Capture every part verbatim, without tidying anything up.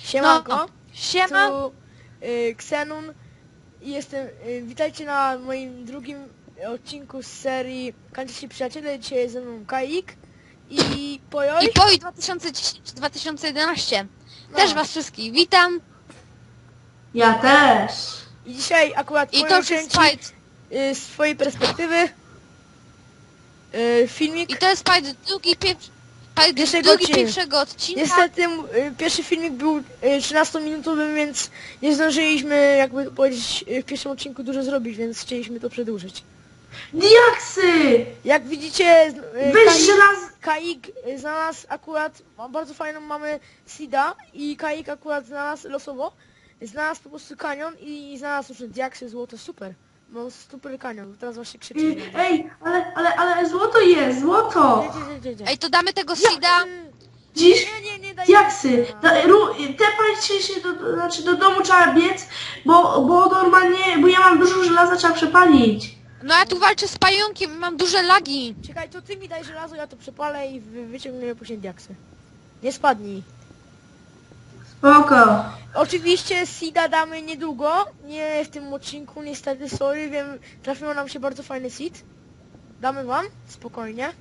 Siemanko, No, siema. tu y, Xenon i jestem, y, witajcie na moim drugim odcinku z serii Kanciści Przyjaciele. Dzisiaj jest ze mną Kaik i Pojoj. I Poi dwa tysiące dziesięć dwa tysiące jedenaście. No. Też was wszystkich witam. Ja też. I dzisiaj akurat I Pojoj to jest kręci Spide. y, z swojej perspektywy y, filmik. I to jest Spide drugi pierwszy. Spide Pierwszego drugi odcinka. pierwszego odcinka. Niestety y, pierwszy filmik był y, trzynastominutowy, więc nie zdążyliśmy, jakby powiedzieć, y, w pierwszym odcinku dużo zrobić, więc chcieliśmy to przedłużyć. Diaksy! Jak widzicie, y, Weź Kaik- żelaz... Kaik znalazł akurat, ma bardzo fajną mamy Sida i Kaik akurat znalazł losowo, znalazł po prostu kanion i znalazł już diaksy, złoto, super. No super kanion, teraz właśnie krzyczy. Y, Ej, ale, ale, ale złoto jest, złoto! Gdzie, gdzie, gdzie, gdzie? Ej, to damy tego Jak Sida. ty? Dziś Nie, nie, nie daj. diaksy. Da, ru, tepajcie się do, do, znaczy do domu trzeba biec, bo, bo normalnie, bo ja mam dużo żelaza, trzeba przepalić. No ja tu walczę z pająkiem, mam duże lagi. Czekaj, to ty mi daj żelazo, ja to przepalę i wy, wyciągniemy później diaksy. Nie spadnij. Spoko. Oczywiście Sida damy niedługo, nie w tym odcinku, niestety, sorry, wiem, trafiło nam się bardzo fajny seed. Damy wam, spokojnie.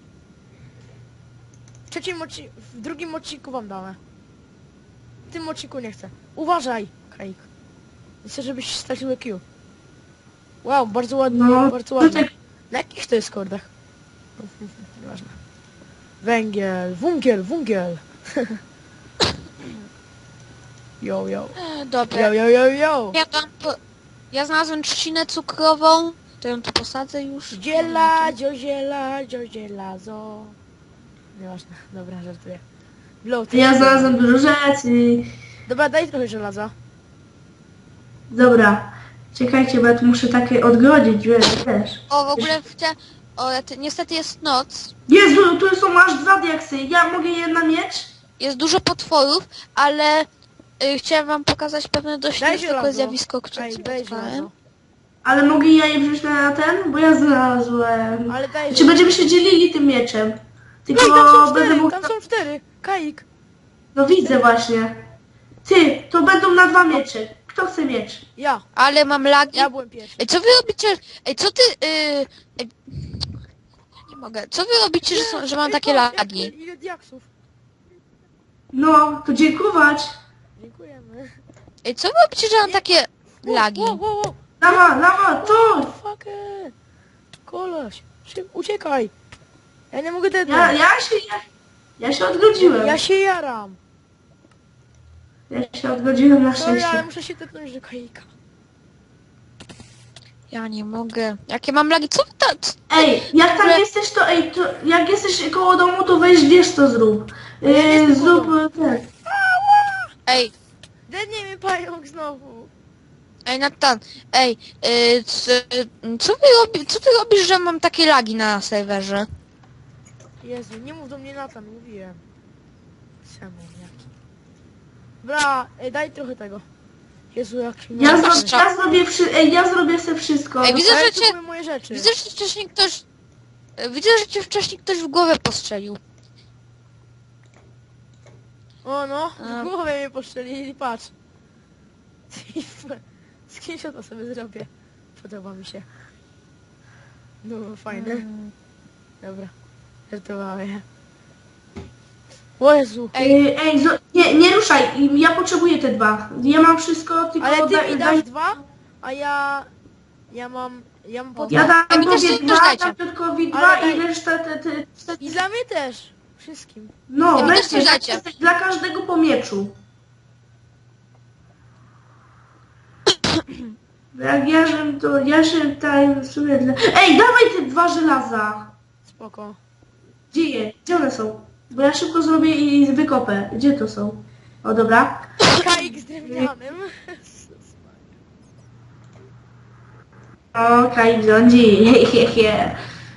W trzecim odcinku, w drugim odcinku wam damy. W tym odcinku nie chcę. Uważaj, Kaik. Chcę, żebyś stracił Q. Wow, bardzo ładnie, No, bardzo ładnie. tutaj- Na jakich to jest kordach? Nieważne. Węgiel, wungiel, wungiel. Yo, yo. E, Dobra. Yo, yo, yo, yo. Ja tam po... Ja znalazłem trzcinę cukrową. To ją tu posadzę już. Dziela, dzioziela, dziozielazo. Nieważne, dobra, żartuję. Blow, ty Ja się- znalazłem dużo rzeczy. Dobra, daj trochę żelaza. Dobra. Czekajcie, bo ja tu muszę takie odgrodzić, wiesz, wiesz. O, w ogóle chcę... O, ja ty... niestety jest noc. Jezu, tu są aż dwa diaksy. Ja mogę jedna mieć? Jest dużo potworów, ale y, chciałem wam pokazać pewne dość Daj niezwykłe żelazo. zjawisko, które Ej, daj spotkałem. żelazo. Ale mogę ja je wziąć na ten? Bo ja znalazłem. Ale daj Czy żelazo. będziemy się dzielili tym mieczem? Tylko Ej, tam są będę cztery, mógł... tam są cztery. Kaik. No widzę właśnie. Ty, to będą na dwa miecze. Kto chce miecz? Ja, Ale mam lagi. ja byłem pierwszy. Ej, co wy robicie? Ej, co ty... Yy... Ej... Nie mogę. Co wy robicie, że, są, że mam Ej, takie patrz, lagi? jak- Ile diaksów. No, to dziękować. Dziękujemy. Ej, co wy robicie, że mam takie lagi? Wow, wow, wow. Lawa, lawa, to! Fucker. Koleś, szyb, uciekaj. Ja nie mogę tego. Ja, ja się, ja, ja się odgodziłem. Ja się jaram. Ja się odgodziłem na Sorry, ale szczęście. muszę się tepnąć do Kaika. Ja nie mogę. Jakie mam lagi? Co wy ta... c- Ej, jak tam Dobra. jesteś, to ej, to jak jesteś koło domu, to weź wiesz co zrób. Ja nie Yy, jestem koło zrób ten. Ej, Dednie mnie pająk znowu. ej, Natan. Ej, yy, c, co wy robi... Co ty robisz, że mam takie lagi na serwerze? Jezu, nie mów do mnie Natan, mówiłem. Czemu, jaki? Dobra, ej, daj trochę tego. Jezu, jak mi Ja, na- zro, ja zrobię przy, ej, ja zrobię sobie wszystko. Ej, widzę, Ale że to cię- były moje rzeczy. Widzę, że wcześniej ktoś... e, Widzę, że cię wcześniej ktoś w głowę postrzelił. O no, A. w głowę mnie poszczelili, patrz. Screenshota sobie zrobię. Podoba mi się. No, fajne. Mm. Dobra. Żartowałem. O Jezu. Ej, ej zo, nie, nie ruszaj, ja potrzebuję te dwa. Ja mam wszystko, tylko Ale ty daj, mi daj, dasz dwa, a ja... Ja mam... Ja mam po ja dwa. dam mi też tobie coś dwa, dajcie. dam Piotrkowi Ale dwa daj- i resztę te, te, te, I dla mnie też. Wszystkim. no, Ja mi też weźcie, coś dajcie. dla, dla każdego po mieczu. Jak ja żem to, ja się tutaj w sumie dla... Ej, dawaj te dwa żelaza. Spoko. Gdzie je? Gdzie one są? Bo ja szybko zrobię i wykopę. Gdzie to są? O, dobra. Kaik z drewnianym. O, Kaik rządzi. He, he, he.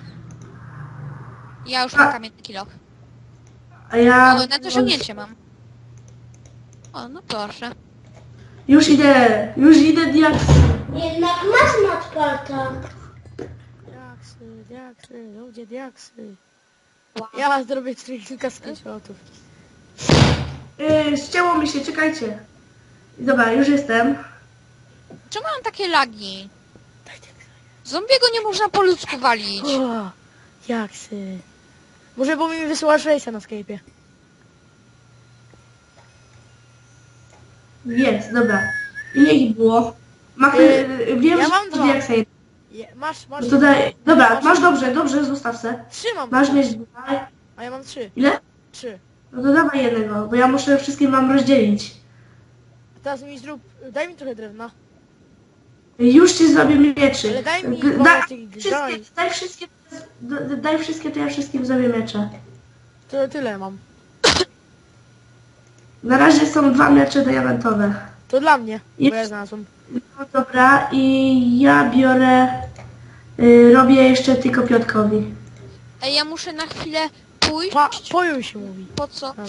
Ja już mam kamienny kilof. A ja... O, na dosiągnięcie mam. O, no proszę. Już idę, już idę diaks. Jednak masz nadparta. Diaksy, diaksy, ludzie diaksy. Wow. Ja zrobię kilka screenshotów. Yy, ścięło mi się, czekajcie. Dobra, już jestem. Czemu mam takie lagi? Zombiego nie można po ludzku walić. O, jaksy. Może bo mi wysyłasz rejsa na Skype'ie. Jest, dobra. Ile ich było? Machy, Yy, wiem, ja że mam to dwa. jak sobie. Je, masz, masz. No to daj. Dobra, masz, masz dobrze, dobrze, zostaw se. Trzy mam. Masz mieć dwa. A ja mam trzy. Ile? Trzy. No to dawaj jednego, bo ja muszę wszystkie mam rozdzielić. A teraz mi zrób... Daj mi trochę drewna. Już ci zrobię mieczy. Ale daj mi D- parę da, tych- wszystkie, daj. daj wszystkie, d- daj wszystkie, to ja wszystkim zrobię miecze. To tyle mam. Na razie są dwa miecze diamentowe. To dla mnie, bo Jest. ja znalazłem. No dobra, i ja biorę, y, robię jeszcze tylko Piotkowi. Ej, ja muszę na chwilę pójść. Pa, pojuj się mówi. Po co? Dobra.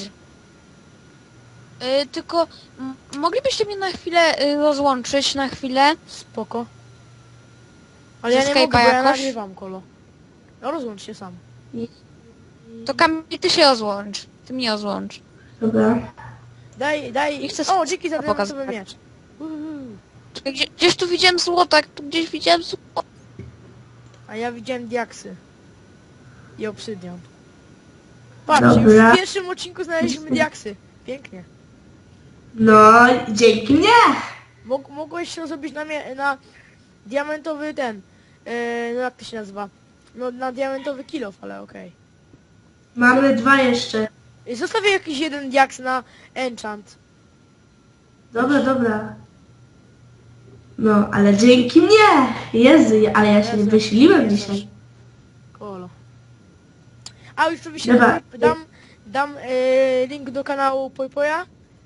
Y, tylko m- moglibyście mnie na chwilę y, rozłączyć, na chwilę? Spoko. Ale Ze ja nie mogę, Skype'a bo ja jakoś? nagrywam, kolo. No rozłącz się sam. To Kamil, ty się rozłącz. Ty mnie rozłącz. Dobra. Daj, daj. Nie chcę O, dzięki za pokazać. diamentowy miecz. Uhu. Czekaj, gdzie, gdzieś tu widziałem złoto, jak tu gdzieś widziałem złoto. A ja widziałem diaksy. I obsydian. Patrz, już Dobra. w pierwszym odcinku znaleźliśmy diaksy. Pięknie. No, dzięki mnie! Mog mogłeś to zrobić na, mie- na diamentowy ten. E, no jak to się nazywa? No na diamentowy kilof, ale okej. Mamy dwa jeszcze. Okay. Zostawię jakiś jeden diaks na enchant. Dobra, dobra. No, ale dzięki mnie! Jezu, ale ja się nie Jezu, wysiliłem Jezu. dzisiaj. Kolo. A już oczywiście Dobra. dam, dam e, link do kanału Pojpoja.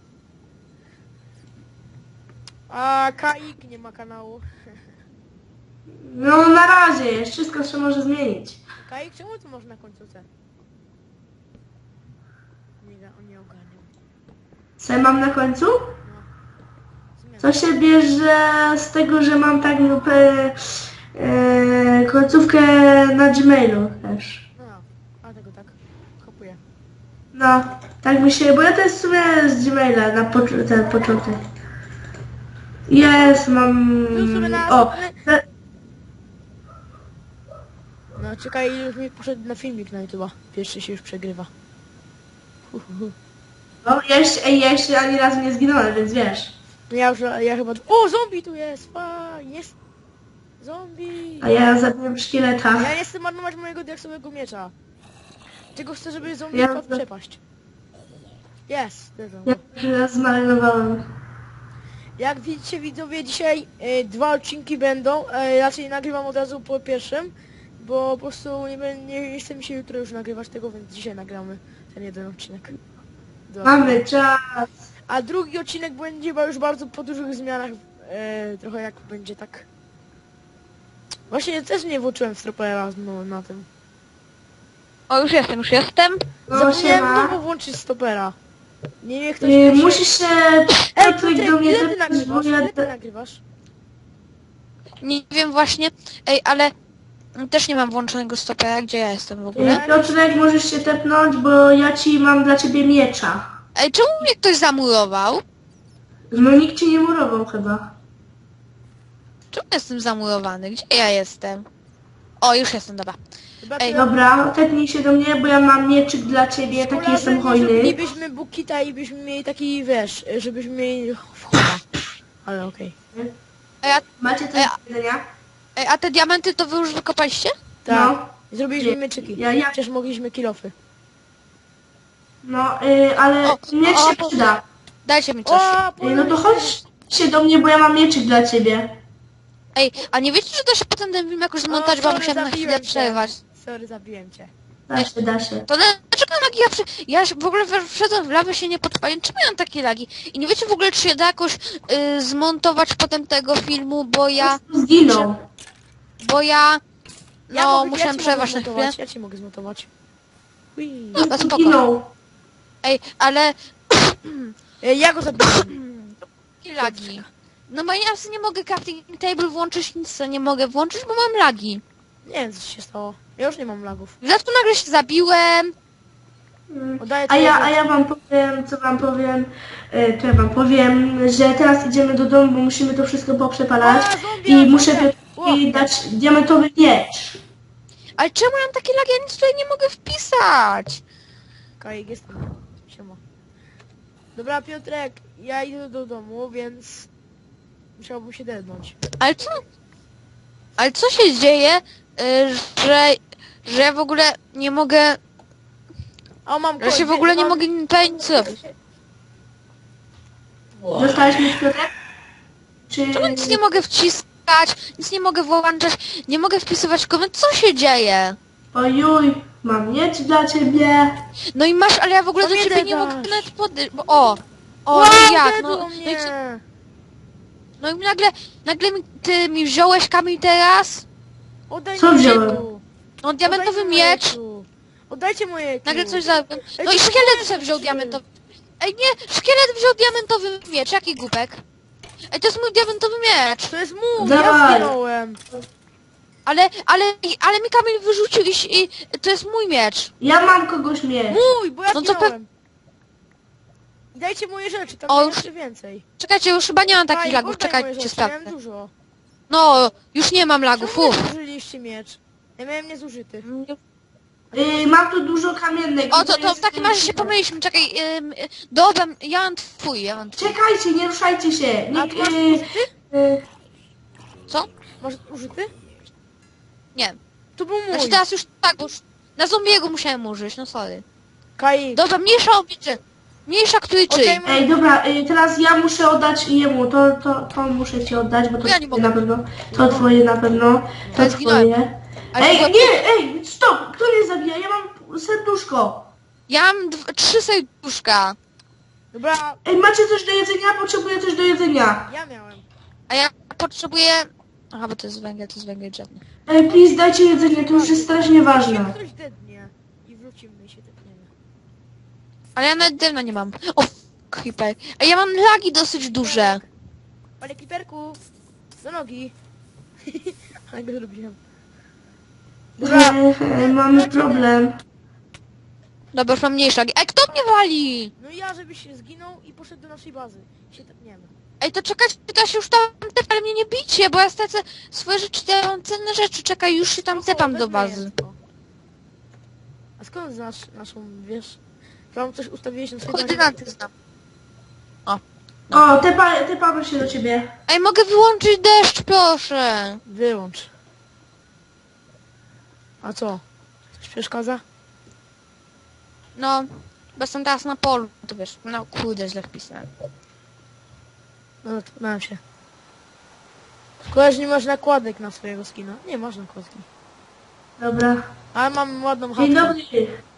A Kaik nie ma kanału. No, na razie, jest wszystko się może zmienić. Kaik, czemu to masz na końcu C? Nie, ga- on nie ogarniał. Co ja mam na końcu? Zmiana. To się bierze z tego, że mam tak lub e, e, końcówkę na Gmailu też. No, a tego tak. Kopuję. No, tak mi się, bo ja to jest w sumie z Gmaila na pocz- ten początek. Jest, mam... Był sobie na O, następny- te, No czekaj, już mi poszedł na filmik na YouTube'a. Pierwszy się już przegrywa. Hu, hu, hu. no ja jeszcze, ej, ja jeszcze ani razu nie zginąłem, więc wiesz. No ja już, ja chyba... O, zombie tu jest! Fa, jest! Zombie! A ja zabiłem szkieleta. Ja nie chcę marnować mojego diaksowego miecza. Tylko chcę, żeby zombie Ja- wpadł w przepaść. Jest! Yes, Ja już raz zmarnowałem. Jak widzicie widzowie, dzisiaj e, dwa odcinki będą. E, raczej nagrywam od razu po pierwszym, bo po prostu nie, bę- nie, nie chce mi się jutro już nagrywać tego, więc dzisiaj nagramy ten jeden odcinek. Dobra. Mamy czas. A drugi odcinek będzie chyba już bardzo po dużych zmianach. E, trochę jak będzie tak. Właśnie też nie włączyłem stropera no, na tym. O, już jestem, już jestem. No, Zapomniałem siema. znowu włączyć stopera. Nie wiem, ktoś Yy, pierwszy- musisz się... Ej, Piotrek Piotrek, do mnie ile ty zepchnąć, bo nagrywasz? ja... Ile ty nagrywasz? Nie wiem właśnie. Ej, ale też nie mam włączonego stopera, gdzie ja jestem w ogóle. Yy, Piotrek, możesz się tepnąć, bo ja ci mam dla ciebie miecza. Ej, czemu mnie ktoś zamurował? No nikt ci nie murował chyba. Czemu jestem zamurowany? Gdzie ja jestem? O, już jestem, dobra. Chyba Ej, to- Dobra, tepnij się do mnie, bo ja mam mieczyk dla ciebie, taki Szkoda, jestem że hojny. Nie zrobilibyśmy bukita i byśmy mieli taki, wiesz, żebyśmy mieli wchoda. Ale okej. Ej, a, Macie coś Ej, do jedzenia? ej, a te diamenty to wy już wykopaliście? Tak. No. Zrobiliśmy Nie. mieczyki. Ja- ja- Przecież mogliśmy kilofy. No, yy, ale O, miecz o, się po- przyda. Dajcie mi coś. O, Yy, no to chodź się do mnie, bo ja mam mieczyk dla ciebie. Ej, a nie wiecie, że da się potem ten film jakoś zmontować, bo sorry, musiałem na chwilę zabiłem cię. przerwać. Sorry, zabiłem cię. Da się, da się. To dlaczego lagi ja przy... Ja się w ogóle we- wszedłem w lawę, się nie podpaliłem. Czemu ja mam takie lagi? I nie wiecie w ogóle, czy się da jakoś y, zmontować potem tego filmu, bo ja... Zginął. Bo ja... Ja No, mogę- musiałem ja ci przerwać mogę na chwilę. zmontować, Ja ci mogę zmontować. Ui. Dobra, spoko. Zginął. Ej, ale... E, Ja go zabiłem. Jakie lagi? No bo ja sobie nie mogę crafting table włączyć, nic sobie nie mogę włączyć, bo mam lagi. Nie wiem, co się stało. Ja już nie mam lagów. W dodatku nagle się zabiłem. Mm. Oddaję A ja, twoje a ja wam powiem, co wam powiem, e, to ja wam powiem, że teraz idziemy do domu, bo musimy to wszystko poprzepalać A, zombie, i zombie. muszę Ło. Piotrowi dać diamentowy miecz. Ale czemu ja mam takie lagi? Ja nic tutaj nie mogę wpisać. Kajek, jestem. Siema. Dobra, Piotrek, ja idę do domu, więc musiałbym się dednąć. Ale co? Ale co się dzieje, y, że, że ja w ogóle nie mogę, A mam że się koń, w ogóle nie mam- mogę tutaj nic zrobić? Dostałeś miecz, Piotrek? Czy... Czemu nic nie mogę wciskać, nic nie mogę włączać, nie mogę wpisywać komend, co się dzieje? Ojuj, mam miecz dla ciebie. No i masz, ale ja w ogóle To do mnie ciebie nie dasz. mogę nawet podejść, bo o, o, Wow, no jak, dedło no, no, i, mnie. co- no i nagle, nagle mi, ty mi wziąłeś kamień teraz, Oddaj Co mi wziąłem? mojego. no diamentowy Oddajcie miecz, moje. Oddajcie moje. nagle coś za... Ej, No to i są szkielet moje sobie wziął rzeczy. diamentowy... Ej nie, szkielet wziął diamentowy miecz, jaki głupek? Ej, to jest mój diamentowy miecz, To jest mój, Dawaj. ja zginąłem. ale, ale, ale mi kamień wyrzucił i, i to jest mój miecz. Ja mam kogoś miecz. Mój, bo ja No to zginąłem. I dajcie moje rzeczy, tam O, o, już- jeszcze więcej. Czekajcie, już chyba nie mam takich Daj, lagów, oddaj moje czekajcie, rzeczy, sprawdzę. miałem dużo. No, już nie mam lagów, Czemu nie uff. zużyliście miecz? Ja miałem niezużyty. Y, mam tu dużo kamiennych. O, to, to w jest- takim razie się pomyliśmy, czekaj, ym, y, dobra, ja mam twój, ja mam twój. Czekajcie, nie ruszajcie się. A Nie, tu masz y, użyty? y, Co? Masz użyty? Nie. To był mój. Znaczy teraz już tak, bo już na zombiego musiałem użyć, no sorry. Kai. Dobra, mniejsza obliczy. Mniejsza który czyj. Okej, Ej, dobra, y, teraz ja muszę oddać jemu, to, to, to muszę ci oddać, bo to Ja nie twoje mogę. na pewno, to twoje na pewno, to Ja zginąłem. twoje. Ale Ej, była- nie, ej, stop, kto mnie zabija? Ja mam serduszko. Ja mam dw- trzy serduszka, Dobra, Ej, macie coś do jedzenia? Potrzebuję coś do jedzenia. ja miałem. a ja potrzebuję... Aha, bo to jest węgiel, to jest węgiel drzewny. Ej, please, dajcie jedzenie, to już jest strasznie ważne. Ktoś dednie. I wrócimy i się dedniemy. Ale ja nawet drewna nie mam. O, creeper. A ja mam lagi dosyć duże. Panie Kliperku, do nogi. Ale go zrobiłem. Dobra, E, e, mamy problem. Dobra, już mam mniejsze lagi. Ej, kto mnie wali? no i ja, żebyś się zginął i poszedł do naszej bazy. Się tepniemy. Ej, to czekajcie, to ja się już tam tepam, ale mnie nie bicie, bo ja stracę swoje rzeczy, ja mam cenne rzeczy. Czekaj, już się tam Spoko, tepam do wezmę bazy. je. O. A skąd znasz naszą, wiesz? Tam coś ustawiłeś na swojej bazie? Koordynaty znam. O, tepa, tepamy się do ciebie. Ej, mogę wyłączyć deszcz, proszę. Wyłącz. A co? Coś przeszkadza? No, bo jestem teraz na polu, to wiesz, no kurde, źle wpisałem. No, tepnąłem się. Szkoda, że nie masz nakładek na swojego skina. Nie masz nakładki. Dobra. Ale mam ładną Dzień chatkę. dobry.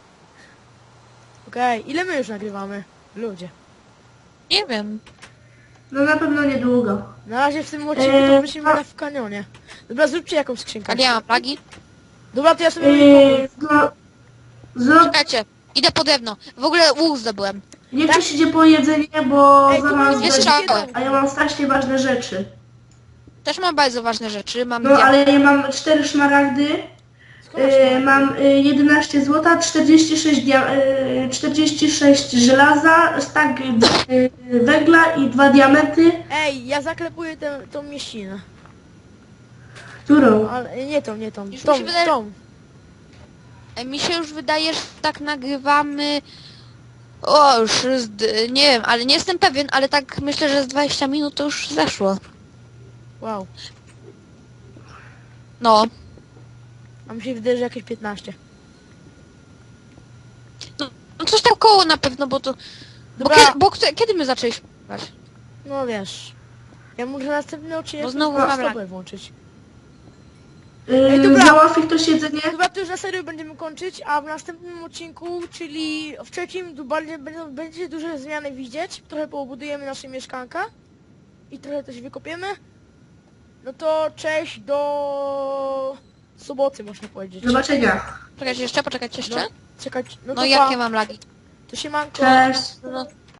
Okej, ile my już nagrywamy? Ludzie. Nie wiem. No na pewno niedługo. Na razie w tym odcinku Eee, to wyślimy a- na w kanionie. Dobra, zróbcie jakąś skrzynkę. Ale ja mam lagi. Dobra, to ja sobie Yy, robię no, zrób, Czekajcie, idę po drewno. W ogóle łuk zdobyłem. niech ktoś idzie po jedzenie, bo Ej, tu zaraz mam Nie będzie, strzałem. a ja mam strasznie ważne rzeczy. Też mam bardzo ważne rzeczy, mam No dia- ale ja mam cztery szmaragdy, Skąd masz yy, to? mam yy, jedenaście złota, czterdzieści sześć, dia- yy, czterdzieści sześć żelaza, stak yy, węgla i dwa diamenty. Ej, ja zaklepuję tę, tą mieścinę. Którą? Ale nie tą, nie tą. Już mi Tą, się wydaje- tą. Ej, mi się już wydaje, że tak nagrywamy... O, już z... nie wiem, ale nie jestem pewien, ale tak myślę, że z dwadzieścia minut to już zeszło. Wow. No. A mi się wydaje, że jakieś piętnaście. No coś tak koło na pewno, bo to... Bo, Dobra. kiedy, bo kto- kiedy my zaczęliśmy grać? No wiesz. Ja muszę następny odcinek Bo znowu na mam stopę lag. włączyć. Yy, dobra. załatwi ktoś jedzenie? Chyba to już na serio będziemy kończyć, a w następnym odcinku, czyli w trzecim, tu bardziej będą, będzie duże zmiany widzieć. Trochę poobudujemy nasze mieszkanka i trochę coś wykopiemy. No to cześć do soboty, można powiedzieć. Do zobaczenia. Czekajcie jeszcze, poczekajcie jeszcze. No, czekać, no No to jakie pa. mam lagi? To się manko. Cześć. No,